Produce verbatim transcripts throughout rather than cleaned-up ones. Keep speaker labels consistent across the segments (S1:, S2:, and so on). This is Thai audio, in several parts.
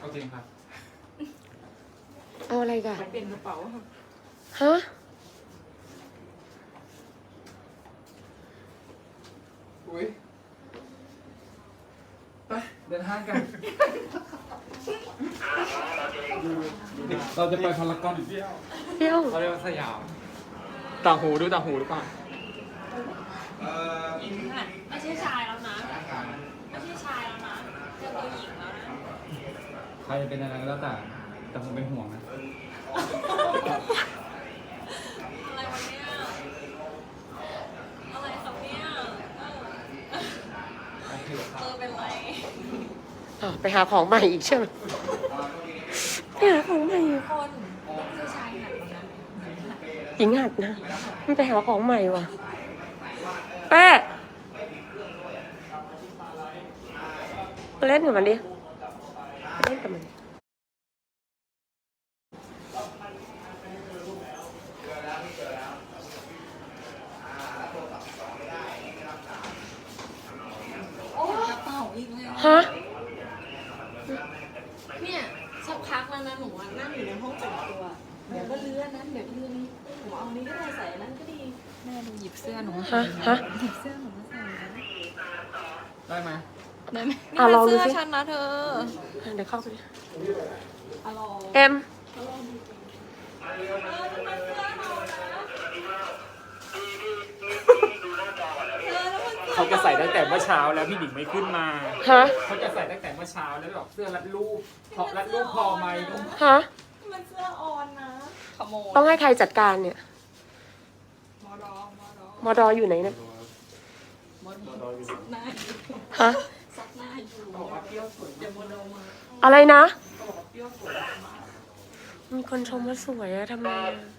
S1: เอาจริงครับ
S2: เอาอะไรกัน
S3: เปลี่ยนกระเป๋า
S2: ฮะ
S1: อุ้ยไปเดินห้างกันเราจะไปพารากอนเที่ยว
S2: เที่ยว
S1: เราเรียกว่าสยามต่างหูดูต่างหูหรือเปล่า
S3: ไม่ใช่ชายแล้วนะไม่ใช่ชายแล้วนะเจอตัวหญิงแล้วนะ
S1: ใครเป็นอะไรก็แล้วแต่แต่ผมเป็นห่วงนะ
S3: อะไรวะเนี่ยอะไรครับเนี่ยเออเป็นไร
S2: อ๋อไปหาของใหม่อีกใช่ไหมไปหาของใหม่อีก
S3: คนไม่ใช่ชายหัดนะ
S2: หญิงหัดนะมันไปหาของใหม่ว่ะแป๊ะเล่นกับมันดิเล่นกับมัน
S3: โอ้กระเป๋าอีกแล้ว
S2: ฮะ
S3: เนี่ยสักพักแล้วนะหนูนั่งอยู่ในห้องแต่งตัวเดี๋ยวก็เลื่อนนั้นเดี๋ยวเลื่อนนี้หนูเอานี้ก็ได้ใส่นั้นก็ดีแม่หนูหยิบเสื้อหนูมาใส่หยิบเสื้อหนูมาใส่
S1: ได้ไหม
S3: ได้ไหมนี่เป็นเสื้อฉันนะเธอ
S2: เดี๋ยวเข้าไป
S3: เอ็
S2: เอ็ม
S1: เขาจะใส่ตั้งแต่เมื่อเช้าแล้วพี่หนิงไม่ขึ้นมา
S2: ฮะ
S1: เขาจะใส่ตั้งแต่เมื่อเช้าแล้วแบบเสื้อรัดรูปพอรัดรูปพอไหม
S2: ฮะ
S3: มันเสื้อออนนะขโมย
S2: ต้องให้ใครจัดการเนี่ย
S3: มอดอ
S2: มอดออยู่ไหนเนี่ย
S3: มอดออยู่ซักหน้าอยู่
S2: ฮะ
S3: ซักหน้าอยู่บอกว่าเปรี้ยวสวยเดี๋ยวมอดอมา
S2: อะไรนะ
S3: บอกว่าเปรี้ยวสวยมาก
S2: มีคนชมว่าสวยอะทำไม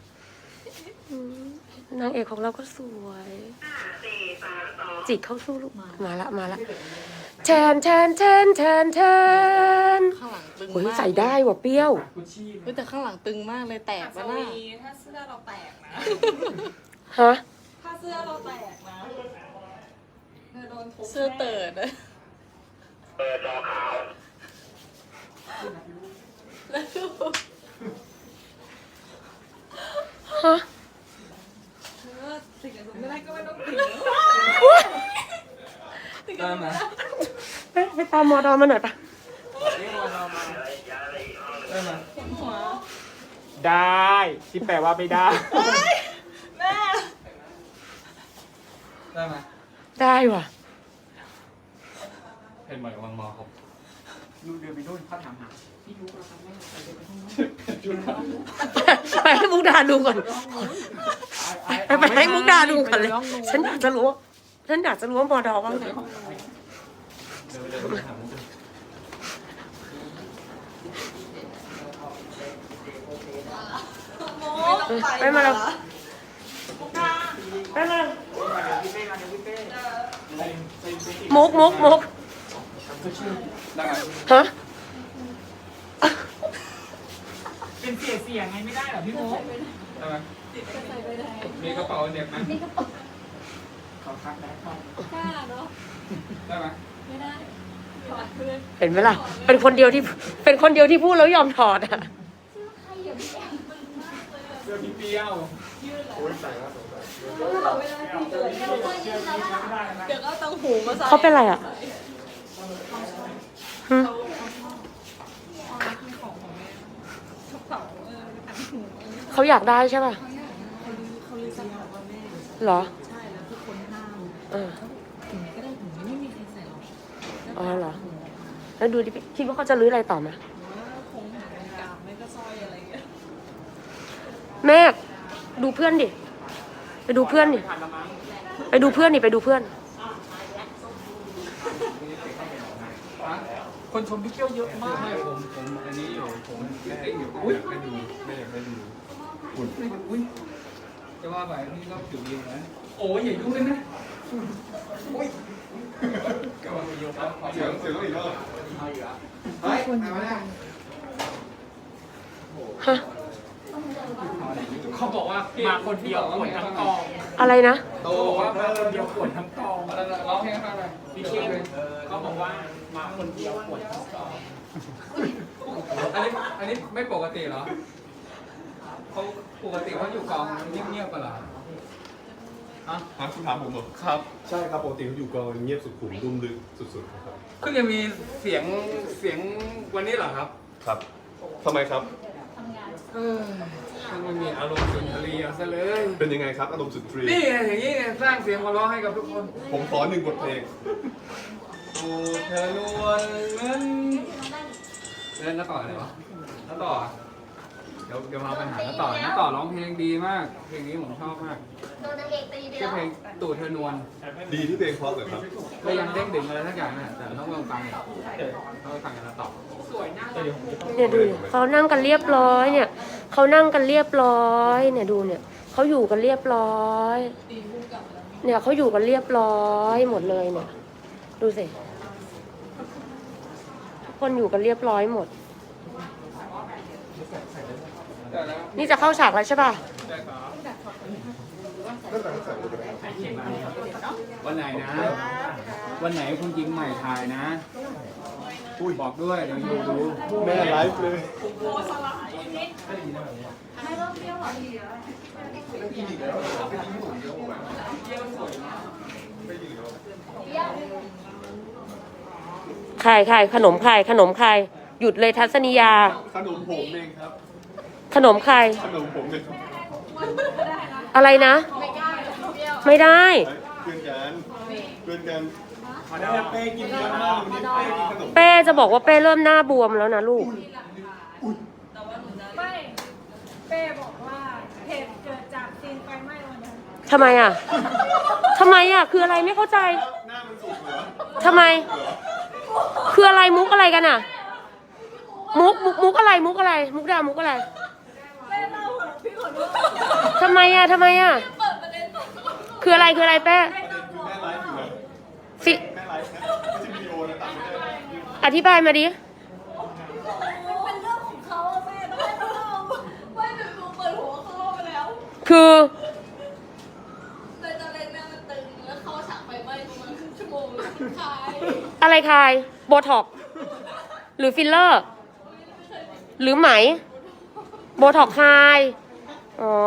S2: นางเอกของเราก็สวยจิกเข้าสู้ลูกมาละมาละแทนแทนแทนแทนแทน
S3: ข้างหลังตึง
S2: มากใส่ได้ว่ะเปรี้ยว
S3: แต่ข้างหลังตึงมากเลยแตกแล้วนะถ้าเสื้อเราแตกนะ
S2: ฮะ
S3: ถ้าเสื้อเราแตกนะเธอโดนทุบเสื้อเติร์ดเลยเปิดรอขาวแล้วดู
S2: ฮะ
S3: ติดกับไม่ได้ก็ไม่ต้องติด
S1: ได้ไหม
S2: ไปตามมอดอมาหน่อยปะ
S1: ได้ไหมได้ที่แปลว่าไม่ได้
S3: แม่
S1: ได้ไหม
S2: ได้ว่ะ
S1: เห็นเหมือนกำลังมองครับดูเดินไปนู่นเขาถามหาพี่รู้แล้วครับแม่ไปเดินไปห้อง
S2: ไปให้มุกดาดูก่อนไปไปให้มุกดาดูก่อนเลยฉันอยากจะรู้ฉันอยากจะรู้ว่ามอดอว่าไงไปมาแล้วไปมามุกมุกมุกฮะ
S1: เป็นเสียเสียงไงไม่ได้หรอพี่มุกได้ไหมมีกระเป๋าเด็กไหมขอพักได้
S3: กล้าเนาะ
S1: ได้ไหม
S3: ไม่ได้
S2: เห็นไหมล่ะเป็นคนเดียวที่เป็นคนเดียวที่พูดแล้วยอมถอดอ่ะ
S1: เสื้อพี่เปี้ยวโอ้ยใส่แล้ว
S3: เดี๋ยวก็ตั้งหูมาใส่
S2: เขาเป็นอะไรอ่ะเขาอยากได้ใช่ป่ะ
S3: เขาเลยสั่งบอกว่าแม่
S2: เหรอ
S3: ใช่แล้วทุกคนห้าม
S2: เออ
S3: ถึงก็ได้ถึงไม่มีใครใส่หรอก
S2: อ๋อเหรอแล้วดูดิคิดว่าเขาจะรื้ออะไรต่อไหม
S3: คงหาเป็นกามไม่ก็สร้อยอะไรเงี้ย
S2: แม่ดูเพื่อนดิไปดูเพื่อนดิไปดูเพื่อนดิไปดูเพื่อน
S1: คนชมพี่เกี้ยวเยอะมากไม่ผมผมอันนี้อยู่ผมแค่อยู่อุ้ยไม่ดูไม่อยากไปดูอุ่นอุ้ยจะว่าไปนี่ก็ผิวดีนะโอ้ยอย่ายุ่งเลยนะอุ้ยก็ว่าเยอะมากเสียงเสียงอีกแล้วเอาอีกแล้วเฮ้ยคนมาแล้ว
S2: ฮะ
S1: เขาบอกว่ามาคนเดียวขวนทั้งกอง
S2: อะไรนะ
S1: เขาบอกว่ามาคนเดียวขวนทั้งกองร้องเพลงให้ฟังหน่อยพี่เชฟเขาบอกว่ามาคนเดียวขวนทั้งกองนี้อันนี้ไม่ปกติเหรอเขาปกติเขาอยู่กองเงียบๆกันเหรอฮะ
S4: ฮะคุณถามผมเหรอ
S1: ครับ
S4: ใช่ครับปกติเขาอยู่กองเงียบสุขุมดุมดึกสุดๆครับ
S1: เพิ่งจะมีเสียงเสียงวันนี้เหรอครับ
S4: ครับทำไมครับ
S1: เออช่างไม่มีอารมณ์สุนทรีย์เอาซะเลย
S4: เป็นยังไงครับอารมณ์สุดทรี
S1: นี่ไงอย่างนี้ไงสร้างเสียงหัวเราะให้กับทุกคน
S4: ผมขอหนึ่งบทเพลง
S1: โอ้เธอนวลเงินเล่นแล้วต่ออะไรวะแล้วต่อเดี๋ยวเดี๋ยวมาปัญหาแล้วต่อแล้วต่อร้องเพลงดีมาก เพลงนี้ผมชอบมาก
S3: โดนนางเอกตีไป
S1: ชื่อ
S3: แล้ว
S1: เพลงตู่เธอนวล
S4: ดีที่เพลงเพราะเลยครับ
S1: ก็ยังเด้งดึงอะไรสักอย่างน่ะแต่ต้องลองฟังเนี่ยต้องไปฟังกันแล้วต่อ
S2: เนี่ยดูดิเขานั่งกันเรียบร้อยเนี่ยเขานั่งกันเรียบร้อยเนี่ยดูเนี่ยเขาอยู่กันเรียบร้อย เนี่ยเขาอยู่กันเรียบร้อยหมดเลยเนี่ยดูสิทุกคนอยู่กันเรียบร้อยหมด นี่จะเข้าฉากแล้วใช่ป่ะ
S1: วันไหนนะ วันไหนคุณยิงใหม่ถ่ายนะอุ้ยบอกด้วยเดี๋ยวยูดู
S4: แม่ไลฟ์เลย
S2: ใครใครขนมใครขนมใครหยุดเลยทัศนียา
S4: ขนมผมเองครับ
S2: ขนมใคร
S4: ขนมผมเองครับ
S2: อะไรนะ ไม่ได้
S4: เพื่อนกันเพื่อนกันเป้กินเยอะมากวันนี้เป้กินขนม
S2: เป้จะบอกว่าเป้เริ่มหน้าบวมแล้วนะลูก
S3: ไม่เป้บอกว่าเหตุเกิดจากซีนไฟไหม้วันนั้น
S2: ทำไมอ่ะทำไมอ่ะคืออะไรไม่เข้าใจ
S4: หน้ามันสุกเหรอ
S2: ทำไม คืออะไรมุกอะไรกันอ่ะ มุกมุกมุกอะไรมุกอะไร มุกดามุกอะไร
S3: เป้เล่าเหรอพี่ขอโทษ
S2: ทำไมอ่ะทำไมอ่ะ
S3: เปิดประเด็นก่อน
S2: คืออะไรคืออะไรเป้
S4: คือแม่ไลฟ์อยู่นะ
S2: สิ
S4: แม่ไลฟ์นะไม่ใช่วิดีโอนะตัดไม่ได้
S2: อธิบายมาดิ
S3: มันเป็นเรื่องของเขาอะแม่ต้องให้เขาเล่าว่าหนูดูเปิดหัวเขาเล่าไปแล้ว
S2: คือ
S3: เลยตอนแรกแม่มันตึงแล้วเข้าฉากไฟไหม้ประมาณครึ่งชั่วโมงเลยมันคลาย
S2: อะไรคายโบท็อกซ์หรือฟิลเลอร์ หรือไหม โบท็อกซ์คายอ๋อ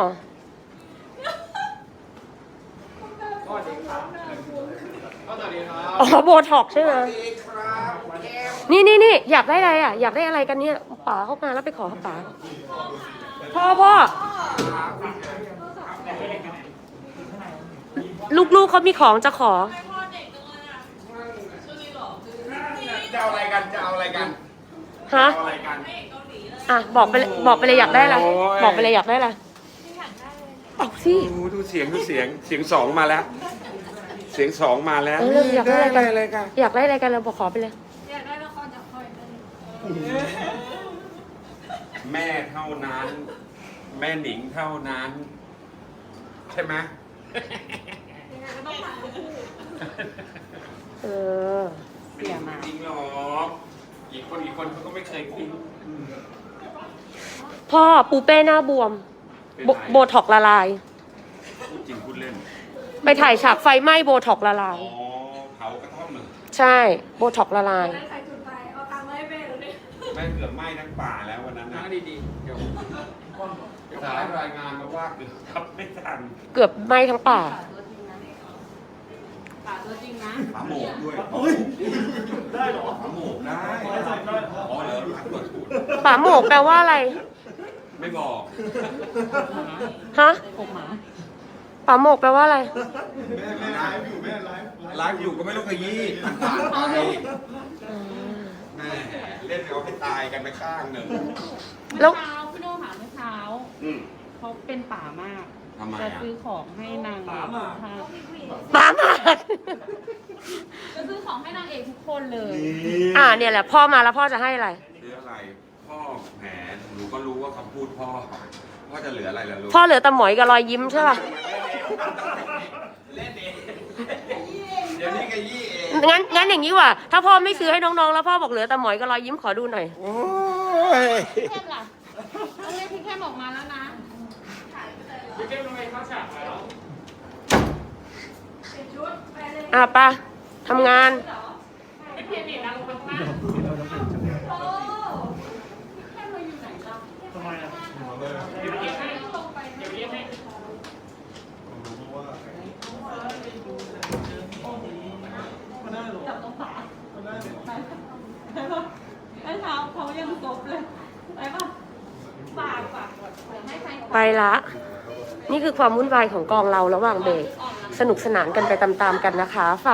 S1: สวัสดีครับสวัสดีครับ
S2: อ๋อโบท็อกซ์ใช่ไหมนี่นี่นี่อยากได้อะไรอ่ะ อยากได้อะไรกันเนี่ยป๋าเข้ามาแล้วไปขอป๋าพ่อพ่อลูกๆเขามีของจะขอ
S1: จะเอาอะไรกันจะเอาอะไรกัน
S2: ฮะ
S1: เอาอะไรกัน
S2: อ่ะบอกไปเลยบอกไปเลยอยากได้อะไร
S1: โอ้ย
S2: บอกไปเลยอยากได้อะไรเอาสิ
S5: ดูดูเสียงดูเสียงเสียงสองมาแล้ว เสียงสองมาแล้ว
S2: เอออยากได้อะไรกัน
S5: อะไรกัน
S2: อยากได้อะไรกันเราบอกขอไปเลย
S3: อยากได้ละครจากคอยเป็น
S5: แม่เท่านั้น แม่หนิงเท่านั้น ใช่ไหม
S3: ยังไงก็ต้องผ่านคู่
S2: เออ
S5: ไม่จริงหรอกอีกคนอีกคนเขาก็ไม่เคยคิด
S2: พ่อปูเป้หน้าบวมโบโบท็อกซ์ละลาย
S5: พูดจริงพูดเล่น
S2: ไปถ่ายฉากไฟไหม้โบท็อกซ์ละลา
S5: อ๋
S2: ย
S5: อเผากระท่อมเหรอ
S2: ใช่โบท็อกซ์ละลาย
S3: ได้ใครจุดไฟเอาตังค์มาให้แม่หรือเนี่ย
S5: แม่เกือบไหม้ทั้งป่าแล้ววันนั้น
S1: นั่
S5: นะ
S1: งดีๆ เดี๋ยว
S5: เดี๋ยวขายรายงานมาว่าเกือบทับไม่ทัน
S2: เกือบไหม้ทั้งป่า
S3: ป่าตัวจริงนะ
S5: ฝาโหมกด้วยได้หรอฝาโหมกได้อ๋อเหรอรักเปิดสูตร
S2: ป่าโหมกแปลว่าอะไร
S5: ไม่บอก
S2: ฮะป่าโหมกแปลว่าอะไร
S4: แม่แม่ไลฟ์อยู่แม่ไลฟ์
S5: ไลฟ์อยู่ก็ไม่รู้ขยี้ผ่านไปแม่เล่นเอาให้ตายกันไปข้างหนึ่ง
S2: แล้ว
S6: เช้าพี่โน่หาเมื่อเช้า
S5: อืม
S6: เขาเป็นป่ามาก
S5: ทำไม
S6: จะ
S5: อ่ะ
S6: ซื้อของให้นางป่ามา
S2: ป่าหมาด
S6: จะซื้อของให้นางเอกทุกคนเลย
S2: อ่าเนี่ยแหละพ่อมาแล้วพ่อจะให้อะไร
S5: เหลืออะไร พ่อแหมหนูก็รู้ว่าคำพูดพ่อว่าจะเหลืออะไรล่ะลูก
S2: พ่อเหลือแต่หมอยกับรอยยิ้มใช่ป่ะ
S5: เล่นเองเดี๋ยวนี้ขยี้เอง
S2: งั้นงั้นอย่างนี้ว่ะถ้าพ่อไม่ซื้อให้น้องๆแล้วพ่อบอกเหลือแต่หมอยกับรอยยิ้มขอดูหน่อย
S5: โอ้ย
S6: พี่เข้มล่ะต้องเรียกพี่เข้มออกมาแล้วนะ
S1: พี่เก้มทำไมเข้าฉากแล้ว
S2: อ่ะไปะทำงาน
S6: ไม่เพียนอีกดังมากเลยไปป่ะฝากฝากก่อนเดี๋ยวให้ใคร
S2: ไปละ นี่คือความวุ่นวายของกองเราระหว่างเบรกสนุกสนานกันไปตามๆกันนะคะ